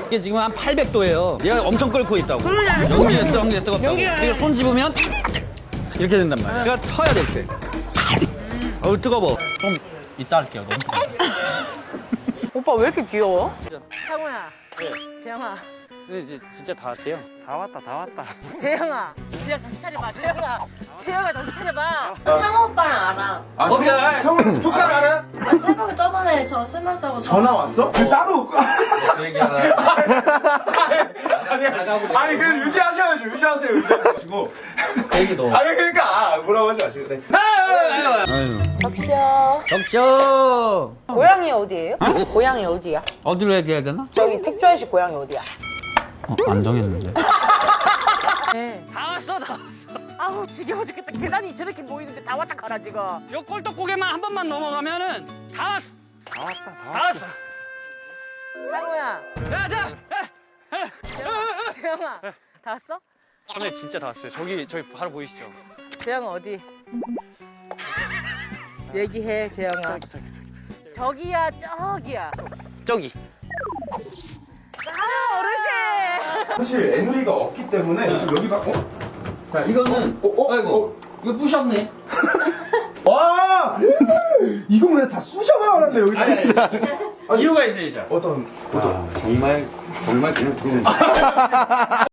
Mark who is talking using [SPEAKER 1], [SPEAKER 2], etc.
[SPEAKER 1] 이게 지금 한 800도예요. 얘가 엄청 끓고 있다고. 연기에 뜨겁다고. 그리고 손 집으면 이렇게 된단 말이야. 그러니까 쳐야 돼, 이렇게. 어우, 뜨거워. 좀 이따 할게요. 너무 뜨거워.
[SPEAKER 2] 오빠 왜 이렇게 귀여워? 상우야. 재영아.
[SPEAKER 1] 근데 이제 진짜 다 왔대요.
[SPEAKER 3] 다 왔다.
[SPEAKER 2] 재영아. 재영 정신 차려봐. 재영아. 재영아 정신 차려봐.
[SPEAKER 4] 상호 오빠랑 알아.
[SPEAKER 1] 오케이. 조카를 알아?
[SPEAKER 4] 아, 새벽에 저번에 저 스마스 하고
[SPEAKER 5] 전화 왔어? 그 따로
[SPEAKER 1] 그 얘기하나.
[SPEAKER 5] 아니 그 유지하셔야죠. 유지하시고.
[SPEAKER 1] 얘기도.
[SPEAKER 5] 아니 그러니까 뭐라고 하지 마시고. 네.
[SPEAKER 1] 아유.
[SPEAKER 2] 적셔.
[SPEAKER 1] 적죠.
[SPEAKER 2] 고향이 어디예요? 고향이 어디야?
[SPEAKER 1] 어디로 얘기해야 되나?
[SPEAKER 2] 저기 택조아저씨 고향이 어디야?
[SPEAKER 1] 안 정했는데.
[SPEAKER 2] 네. 다 왔어. 아우 지겨워 죽겠다. 계단이 저렇게 보이는데 다 왔다 가라 지금.
[SPEAKER 1] 요 꼴떡고개만 한 번만 넘어가면은 다 왔어. 다 왔어.
[SPEAKER 2] 상우야.
[SPEAKER 1] 야, 자.
[SPEAKER 2] 재영아. 다 왔어?
[SPEAKER 3] 선배 진짜 다 왔어요. 저기 바로 보이시죠?
[SPEAKER 2] 재영아 어디? 얘기해 재영아. 저기야 저기야.
[SPEAKER 3] 저기.
[SPEAKER 2] 아 어르신.
[SPEAKER 5] 사실 애누리가 없기 때문에 지금 여기가
[SPEAKER 1] 자, 이거는 아이고. 이거 부셨네.
[SPEAKER 5] 와 이거 그냥 다 쑤셔봐 그랬네 여기다.
[SPEAKER 1] 이유가 있어야죠.
[SPEAKER 5] 어떤
[SPEAKER 1] 정말 그냥 들어오는